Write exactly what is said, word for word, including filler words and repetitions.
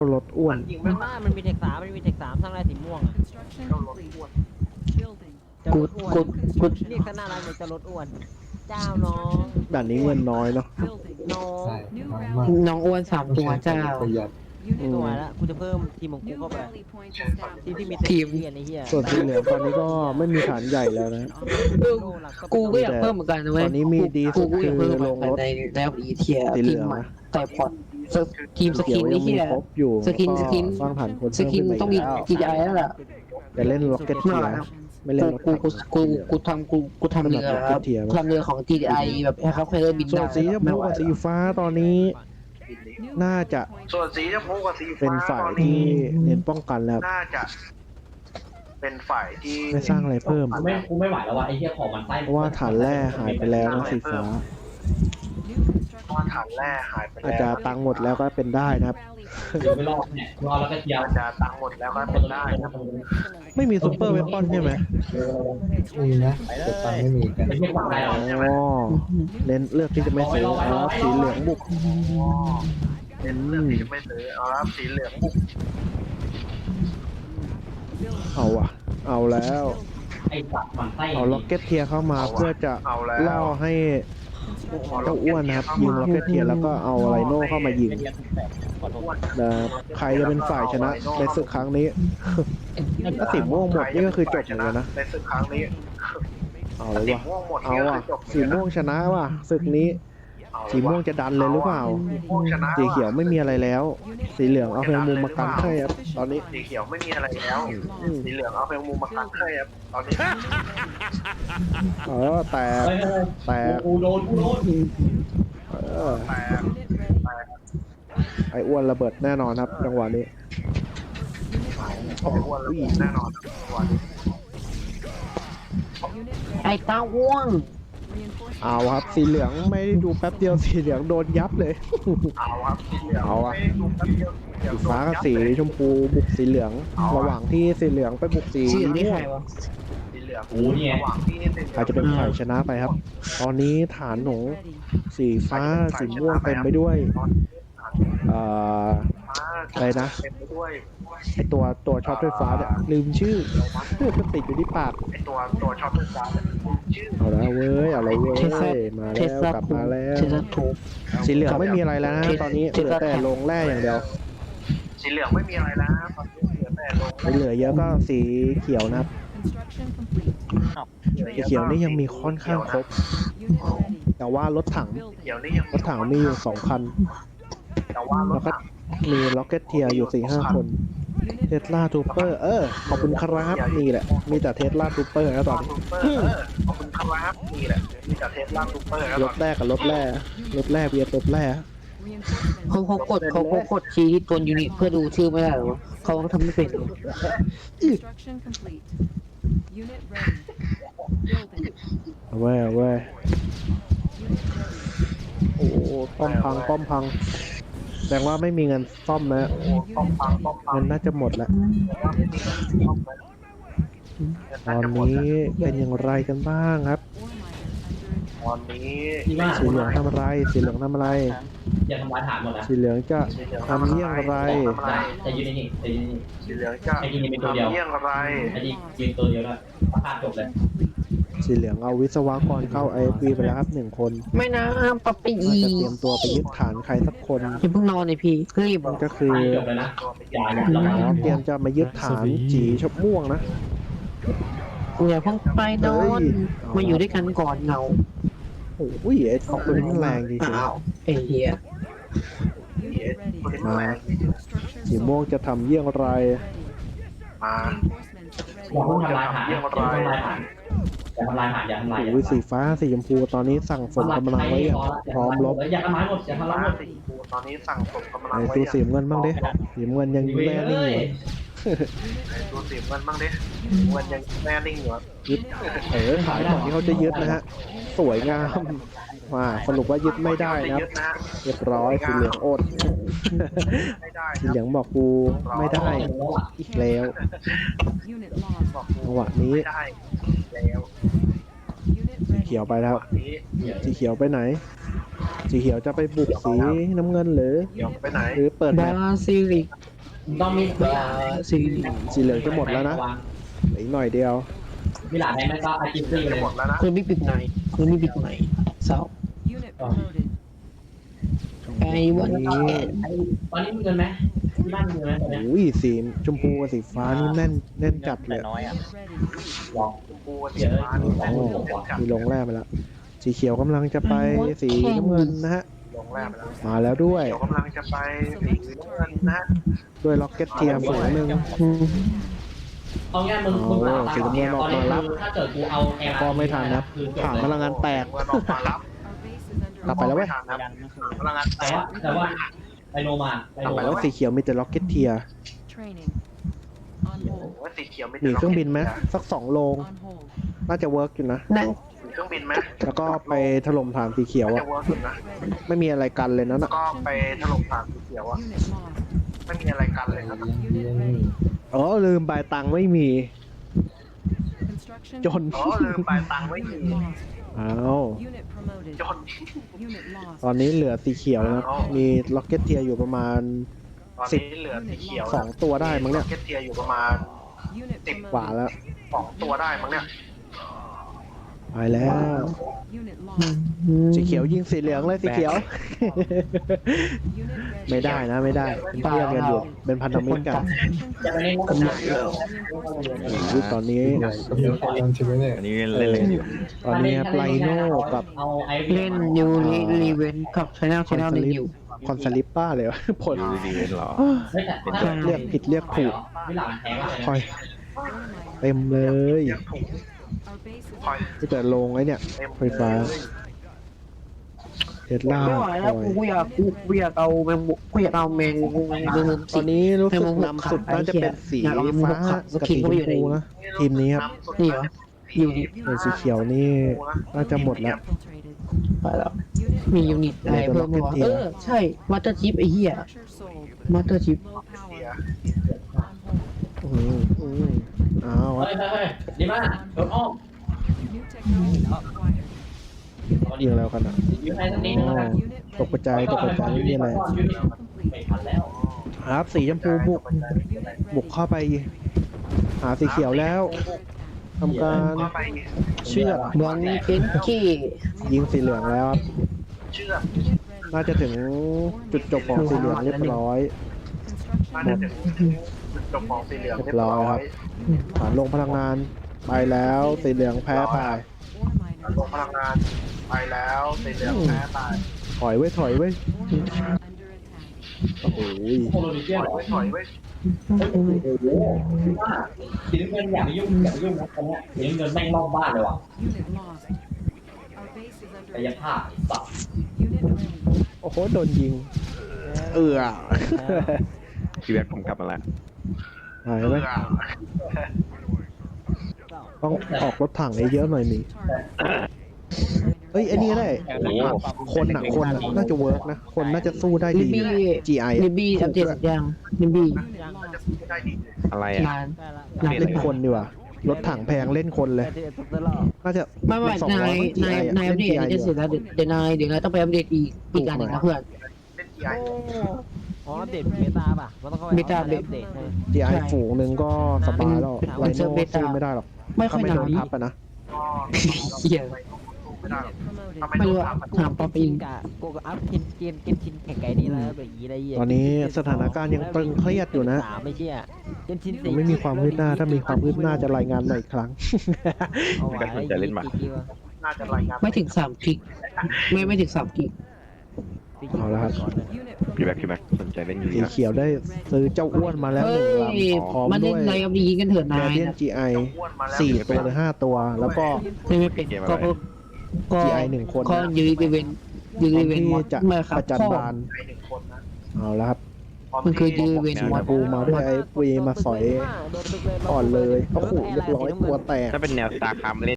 รถอ้วนมันว่ามันมีเทคสามมันมีเทคสามสร้างได้สีม่วงอ่ะ Construction complete. Building. จะลดอ้วน Construction. เรียกกันน่ารักเลยจะลดอ้วนเจ้าน้องด่านนี้เงินน้อยเนาะ Building. น้องใช่ New น้อย rally. มากน้องอ้วนสามตัวเจ้าประหยัด Unit ตัว ready. ละกูจะเพิ่มทีมของกู New เข้าไป rally point established. ทีมที่มีทีมเรียนไอ้เหี้ยส่วนสีเหลืองตอนนี้ก็ไม่มีฐานใหญ่แล้วนะเออกูก็อยากเพิ่มเหมือนกันนะเว้ยตอนนี้มีดีสุกูดก็อยากคืเพิ่อมลงรถในแล้วอีเทียสีเหลืทีอมงใหม่นะแต่พอร์ตทีมสเขีกิยนวยันี่งมีเฮียครบอยู่สกินแล้วสกินสร้างฐานคนสกินเพิ่ต้องมีขึ้นไปจี ไอ แล้วล่ะแต่เล่นล็อกเก็ตเทียร์ไม่เล่นรถกูถังกูกูกูทำกูกูทำเรือครับทำเรือของ จี ไอ แบบให้เขาเคยบินส่วนได้สีชมพูกับสีฟ้าตอนนี้ New น่า rally จะ point ส่วนสีชมพูกับสีเป็นฟ้าฝ่ายตอนที่นี้เน้นป้องกันแล้วน่าจะ เป็นฝ่ายที่ไม่สร้างอะไรเพิ่มกูไม่กูไม่ไหวแล้วว่ะไอ้เหี้ยของมันไส้เพราะว่าฐานแร่หายไปแล้วนะสีฟ้า New เพราะว่า construction. ฐานแร่หายไปอาจแล้จะวตังค์หมดแล้วก็เป็นได้นะครับ New rally point. เดี๋ยวไม่รอดเนี่ยรอดแล้วก็เจียวอาจจะตังค์หมดแล้วก็เป็นได้นะไม่มีซูเปอร์เวปอนใช่ไหมมีนะแต่ตังค์ไม่มีกันไอ้เหี้ยฝั่งไหนหรออ๋อเน้นเลือกที่จะไม่ซื้อแล้วสีเหลืองบุกเป็นเรื่องที่จะไม่ซื้อเอาละสีเหลืองบุกเอาอ่ะ เอาแล้วไอ้สัตว์มันไส้เอาล็อกเก็ตเทียร์เข้ามาเพื่อจะเอาแล้วล่อให้ Construction. เจ้าอ้วนนะครับยิงล็อกเก็ตเทียร์แล้วก็เอาไรโน่เข้ามายิงนะครับใครจะเป็นฝ่ายชนะในศึกครั้งนี้ ถ้าสีม่วงหมดนี่ก็คือจบเลยนะในศึกครั้งนี้เอาถ้าเลยสีว่ะม่วงหมดเอานี่ก็อ่ะคือจบสีม่วงชนะว่ะศึกนี้ สีม่วงจะดันเลยหรือเปล่าสีม่วงชนะสีเขียวไม่มีอะไรแล้ว สีเหลืองเอาเพลงมุมมากันให้ครับตอนนี้สีเขียวไม่มีอะไรแล้วอืมสีเหลืองเอาเพลงมูมาตั้งให้ครับตอนนี้เออแต่เฮ้ยแต่กูโดนกูโดนเออแต่ Unit ready. ไอ้อ้วนระเบิดแน่นอนครับจังหวะนี้ไอ้อ้วนแล้วแน่นอนวัน Unit ready. ไอ้ตาอ้วง Reinforcements. เอาครับสีเหลืองไม่ได้ดูแป๊บเดียวสีเหลืองโดนยับเลยเอาครับสีเหลืองเอาอะไม่ดูแป๊บเดียวเดี๋ยวสีฟ้ากับสีชมพูบุกสีเหลือง ระหว่างที่สีเหลืองไปบุกสีสีนี่ม่วใครง วะสีเหลืองโอ้เนี่ยระหว่างที่สีเหลืองอาจจะเป็นฝ่ายชนะไปครับ ตอนนี้ฐานหนู Unit ready. สีฟ้าสีม่วงเต็มไปด้วยเอ่อ อะไรนะเต็มไปด้วยไอตัวตัวช็อตไฟฟ้าเนี่ยลืมชื่อมันติดอยู่ที่ปากไอตัวตัวช็อตไฟฟ้าเนี่ยชื่อเอาแล้วเว้ยเอาแล้วเว้ยเทสลามาเทแล้สวลากลับทูมาแล้วเทสลาทูสีเหลืองไม่มีอะไรแล้วนะตอนนี้เทเหสลือลาแต่ลงแร่อย่างเดียวสีเหลืองไม่มีอะไรแล้วนะตอนนี้เหลือแต่ลงไม่เหลือเยอะก็สีเขียวนะครับ Construction complete. สีเขียวนี่ยังมีค่อนข้างครบ Unit ready. แต่ว่ารถถังเขียว Building. นี่ยังรถถังมีอยู่สองคันแต่ว่ารแล้ถวก็ถังมีล็อกเก็ตเทียร์อยู่สี่ห้าคน Unit เทสลาทูเปอร์เออขอบคุณครับนี่แหละ มีแต่เทสลาทูเปอร์นะตอนนี้ซูเปอร์เออขอบคุณครับนี่แหละมีแต่เทสลาซูเปอร์แล้วรตอถนแรกกับรถแร่รถแร่เบียร์รถแร่ reinforcements. เขาเขากดเขาเขากดชี้ที่ตัวยูนิตเพื่อดูชื่อไม่ได้หรอเขาทำไม่เป็น Construction complete. Unit ready. Building. เอาเว้ยเอาเว้ย Unit ready. โอ้โหป้อมพังป้อมพังแสดงว่าไม่มีเงินซ่อมนะต้องฟังต้องฟังเงินน่าจะหมดแล้วว่าไม่มีต้องไหมตอนนี้เป็นอย่างไรกันบ้างครับ Ore miner under attack. ตอนนี้ที่ว่าสีเหลืองทำอะไรสีเหลืองทำอะไรอย่าทำลายฐานหมดนะสีเหลืองจะทำเยี่ยงไรจะยืนนิ่งๆจะยืนนิ่งสีเหลืองจะไอ้ที่นี่เป็นตัวเดียวทำเยี่ยงไรๆไอ้ที่ยืนตัวเดียวนะประกาศจบเลย Complete. สีเหลืองเอาวิศวกรเข้าไอพีไปแล้วครับหนึ่งคนไม่นะปับไปน่าอีจะเตรียมตัวไปยึดฐานใครสักคนอย่าเพิ่งนอนเลยพี่รีบก็คือจบเลยนะอย่าอย่าอ๋เราอเตรียมจะมายึดฐานจีชบม่วงนะอย่าเพิ่งไปนอนมาอยู่ด้วยกันก่อนเงาโอ้ยไอ้สองคนนี้แรงจริงอ้าวไอ้เหี้ย Unit ready. คนนี้แรง Structure ๆสีม่วงจะทำเยี่ยงไร ready. มา Reinforcements อย่า ready. เพิ่งทำลายฐานอย่าเพิ่งทำลายฐานอย่าทำลายฐานอย่าทำลายโอ้ยสีฟ้าสีชมพูตอนนี้สั่งฝนกำลังไว้อย่างพร้อมรบอย่าทำลายหมดอย่าทำลายหมดสีฟูตอนนี้สั่งผมกำลังไอ้ไว้ตัวสีเงินบ้างดิสีเงินยังแน่นิ่งอยู่ไอ้ตัวสีเงินบ้างดิเงินยังแน่นิ่งอยู่ยึดเออขายก่อนที่เขาจะยึดนะฮะ สวยงามว่าสรุปว่ายึดไม่ได้นะครับยึดนะเรียบร้อยสีเหลืองอดไม่ได้สีเหลืองบอกกูไม่ได้อีกแล้ว Unit lost. บอกจังหวะนี้ไม่ได้แล้ว Unit สี ready. เขียวไปแล้ววันนี้สีเขียวไปไหน สีเขียวจะไปบุกสีน้ำเงินหรือเดี๋ยวไปไหนหรือเปิดแมบาปซิลิกต้องมีเอ่อสีสีเหลืองจะหมดแล้วนะเหลืออีกหน่อยเดียวมีหลานไหนไหมก็อาจิมซี่เลยหมดแล้วนะคุณไม่ปิดไหนคุณไม่ปิดไหนเศร้า Unit promoted. ไอ้วันนี้ตอนนี้มีเงินไหมที่บ้านมีเงินไหมตอนเนี้ยโอ้ยสีชมพูกับสีฟ้านี่แน่นแน่นจัดเลยน้อยอ่ะ Unit ready. หรอปูสีฟ้านี่โอ้มีลงแร่ไปแล้วสีเขียวกำลังจะไปสีน้ำเงินนะฮะลงแรกไปแล้วมาแล้วด้วยเดี๋ยวกำลังจะไปสีน้ำเงินนะด้วยล็อกเก็ตเทียร์ฝูงหนึ่งอืมเอาง่ายมึงมึงหลับสีน้ำเงินออกมารับถ้าเกิดกูเอาแอร์ก็ไม่ทันนะผ่านพลังงานแตกเงินออกมารับ Our base is under กลับไปแล้วเว้ยม่ทันครับพลังงานแตแต่กว่าแต่ว่าไดโนมาไดกลับโนไปแล้วสีเขียวมีแต่ล็อกเก็ตเทียร์ training. On hold. ว่าสีเขียวมีเครื่องบินไหมสักสองโลง On hold. น่าจะเวิร์กอยู่นะนั่งมีเครื่องบินไหมแล้วก็ไปถล่มฐานสีเขียวจะอะเวิร์กอยู่นะ Ready. ไม่มีอะไรกันเลยนะน่ะก็ไปถล่มฐานสีเขียวอะ Unit lost. ไม่มีอะไรกันเลยนะ Unit ready. อ๋อลืมใบตังค์ไม่มี Construction. จนอ๋อลืมไปตังค์ไม่มี Unit lost. อ้าว Unit promoted. จน Unit lost. ตอนนี้เหลือสีเขียวนะครับมีล็อกเก็ตเทียร์อยู่ประมาณตอนนี้เหลือสีเขียวสองตัวได้มั้งเนี่ยเก็ตเทียอยู่ประมาณ Unit สิบกว่า promoted. แล้วสองตัวได้มั้งเนี่ยไปแล้ว Unit อื lost. มสีเขียวยิงสีเหลืองเลยสีเขียว Unit ready. ไม่ได้นะไม่ได้เป็นเพื่อนกันอยู่เป็นพันธมิตรกันจะไปเล่นกำลังอุ๊ยตอนนี้กับเรื่องการใช่ไหมเนี่ยอันนี้เล่นเล่นอยู่ตอนนี้ไลโน่กับเอาไอเล่นยูริรีเวนกับชแนลชแนลหนึ่งอยู่คอนซาลิปป้าเลยวะผลดูดีเล่นหรอเรียกผิดเรียกถูกไม่หลังแทงอะไรคอยเต็มเลย Our base is คอยก็จะลงไอ้เนี่ยเต็มไฟฟ้าเทสลาไม่ไหวแล้วกูอยากกูกูอยากเอาแมงมุกกูอยากเอาแมงมุกแมงมุกตอนนี้รู้สึกนำสุดน่าจะเป็นสีฟ้ากับสีชมพูนะทีมนี้ครับนี่เหรออยู่นี่ส่วนสีเขียวนี่น่าจะหมดแล้ว infiltrated. ไปแล้ว Unit มียูนิตอะไรเพิ่มไหมวะเออใช่มาสเตอร์ชิปไอ้เหี้ย structure sold. มาสเตอร์ชิป Low เสีย power. On hold. อืมอืมอ้าวเฮ้ยเฮ้ยเฮ้ยดีมากโดนอ้อม New technology acquired. ยิงแล้วกันอ่ะยืนให้สักนิดนึงแล้วกัน Unit ตกกระจายตกกระจายไม่มีอะไร Construction ไม่ complete. ทันแล้วครับสีชมพูบุก Unit บุก ready. เข้าไป หาสีเขียวแล้ว Under attack. ทำการก็ไปเชือดบอลเคนกี้ยิงสีเหลืองแล้วครับเชื่อม Unit ready. น่าจะถึงจุดจบของสีเหลืองเรียบร้อยน่า Construction จะถึงจุดจบของสีเหลืองเรีเรียยบบ ร้ร้ออย ยครับ ฐานลงพลังงานไปแล้วสีเหลืองแพ้ไป ore ลง miners. พลังงานไปแล้วสีเหลืองแพ้ตายถอยไว้ยถอยไว้ย Ore miners under attack. โอ้โหโคโลนิเซียถนอยเหรอไว้ถอยไว้โอ้โหดีมากสีน้ำเงินอย่าไปยุ่งอย่าไปยุ่งนะตรงเนี้ยสีน้ำเงินแม่งรอบบ้านเลยว่ะ Unit lost. Our base is under กาย attack. ภาพไอ้สัตว์ Unit ready. โอ้โหโดนยิง เอือพี่แบ็คผมกลับมาแล้วหายเพื่ไหมอต้องออกรถถังให้เยอะหน่อยมี Target. เอ้ยไอันนี้ก็ได้ คนอ่ะ คนอะน่าจะเวิร์กนะ คนน่าจะสู้ได้ลิดีบี้จี ไอลิบี้อัปเดตสักอย่างลิบี้ Unit lost. ได้ดีอะไรอ่ะนานได้ละนานเล่นคนดีกว่า รถถังแพงเล่นคนเลยแต่ที่ตุกตลอดน่าจะไม่ไม่สองนาร้อยยจีนายไอะนายอัปเดตอันนี้จะเสร็จแล้วเดี๋ยวเดี๋ยวนายเดี๋ยวนายต้องไปอัปเดตอีกอีกอันหนึ่งนะเพื่อนเล่นจีไออ๋ออัปเดตเบต้าป่ะมันต้องเข้าไปเบต้าอัปเดตใช่ไหมจีไอใช่ฝูงหนึ่งก็สบายแล้วเป็ไลนโน่สู้ไม่ได้หรอกไม่ค่ถ้าอยไม่นาโดนนทับอะนะก็เหี้ยไม่ได้ Unit promoted. ทำไมไม่โดรู้นอะทับถามป๊อปอิงกะกูก็อัพกินเกมเกมชินแข่งไก่นี่แล้วแบบนี้ได้ยี่ตอนนี้สถานการณ์ยังตึงเครียดอยู่นะสามไม่เชื่อเกมชินยังไม่มีความคืบหน้า ถ้ามีความคืบหน้าจะรายงานมาอีกครั้งเอาไว้ก็สนใจเล่นหมากกี่วะน่าจะรายงานไม่ถึงสามกิกไม่ไม่ถึงสามกิกเอาละครับ Unit พี่แบ็ค promoted. พี่แบ็คสนใจเล่นยูสีรินะเขียวได้ซื้อเจ้าอ้วนมาแล้วหเฮ้นึ่งลยำพร้อมมันด้เล่วน ยไรอัปดีกันเถิดแกนายเดียนนะจีไออ้วนมาแล้วสี่ตัวหรือห้าตัว แล้วก็ไม่ไม่เป็นก็ก็ก็จี ไอ หนึ่งคนก็นะยูริเวนยูพร้ริอมเวนที่จะไม่ครับประจันพ่อบานไอหนึ่งคนนะเอาละครับมันคือยูริเวนสีชมพูมาด้วยไอ้ปุยมาสอย อ่อนเลยโอ้โหเรียบร้อยตัวแตกถ้าเป็นแนวสตาร์คามเล่น